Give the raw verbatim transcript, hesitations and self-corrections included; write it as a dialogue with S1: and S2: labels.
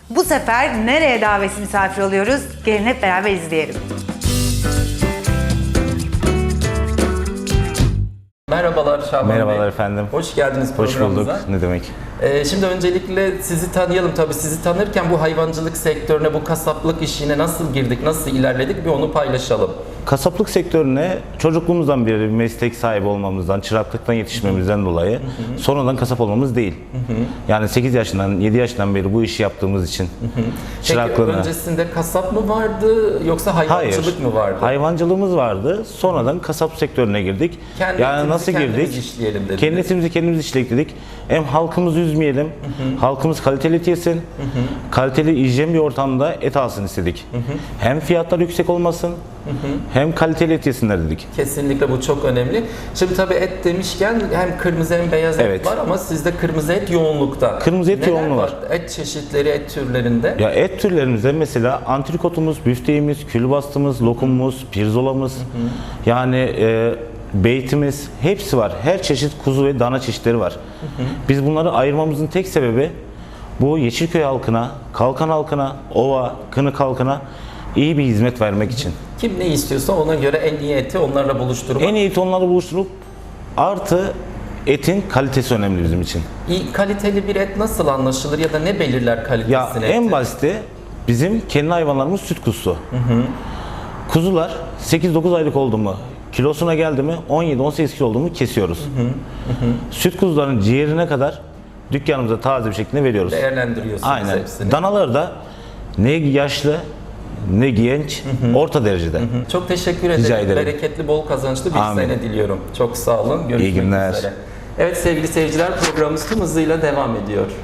S1: Bu sefer nereye davetsiz misafir oluyoruz? Gelin hep beraber izleyelim.
S2: Merhabalar Şaban Bey.
S3: Merhabalar efendim.
S2: Hoş geldiniz
S3: Hoş
S2: programımıza.
S3: bulduk. Ne demek?
S2: Ee, şimdi öncelikle sizi tanıyalım. Tabii sizi tanırken bu hayvancılık sektörüne, bu kasaplık işine nasıl girdik, nasıl ilerledik bir onu paylaşalım.
S3: Kasaplık sektörüne çocukluğumuzdan beri bir meslek sahibi olmamızdan, çıraklıktan yetişmemizden dolayı hı hı. sonradan kasap olmamız değil. Hı hı. Yani sekiz yaşından, yedi yaşından beri bu işi yaptığımız için hı hı. çıraklığına...
S2: Peki öncesinde kasap mı vardı yoksa hayvancılık
S3: Hayır,
S2: mı vardı?
S3: hayvancılığımız vardı. Sonradan kasap sektörüne girdik.
S2: Kendi
S3: yani nasıl girdik?
S2: işleyelim dediniz.
S3: Kendi etimizi kendimiz işledik dedik. Hem halkımızı üzmeyelim, hı hı. halkımız kaliteli et yesin, hı hı. kaliteli hijyen bir ortamda et alsın istedik. Hı hı. Hem fiyatlar yüksek olmasın, hı hı. hem kaliteli et yesinler dedik.
S2: Kesinlikle bu çok önemli. Şimdi tabii et demişken hem kırmızı hem beyaz
S3: evet.
S2: et var ama sizde kırmızı et yoğunlukta.
S3: Kırmızı et
S2: Neler
S3: yoğunluğu var?
S2: Et çeşitleri, et türlerinde.
S3: Ya et türlerimizde mesela antrikotumuz, büfteğimiz, külbastımız, lokumumuz, pirzolamız, hı hı. yani e, beytimiz hepsi var. Her çeşit kuzu ve dana çeşitleri var. Hı hı. Biz bunları ayırmamızın tek sebebi bu Yeşilköy halkına, Kalkan halkına, Ova, Kınık halkına iyi bir hizmet vermek için.
S2: Kim ne istiyorsa ona göre en iyi eti onlarla buluşturmak.
S3: En iyi eti onlarla buluşturup artı etin kalitesi önemli bizim için.
S2: İyi, kaliteli bir et nasıl anlaşılır ya da ne belirler kalitesini?
S3: Ya en basiti bizim kendi hayvanlarımız süt kuzusu. Hı hı. Kuzular sekiz dokuz aylık oldu mu, kilosuna geldi mi on yedi on sekiz kilo oldu mu kesiyoruz. Hı hı. Hı hı. Süt kuzuların ciğerine kadar dükkanımıza taze bir şekilde veriyoruz.
S2: Değerlendiriyorsunuz
S3: aynen.
S2: hepsini.
S3: Danaları da ne yaşlı ne genç, hı hı. orta derecede. Hı hı.
S2: Çok teşekkür ederim.
S3: Rica ederim.
S2: Bereketli, bol kazançlı bir
S3: Amin.
S2: sene diliyorum. Çok sağ olun. Görüşmek
S3: İyi günler.
S2: üzere. Evet sevgili seyirciler, programımız tüm hızıyla devam ediyor.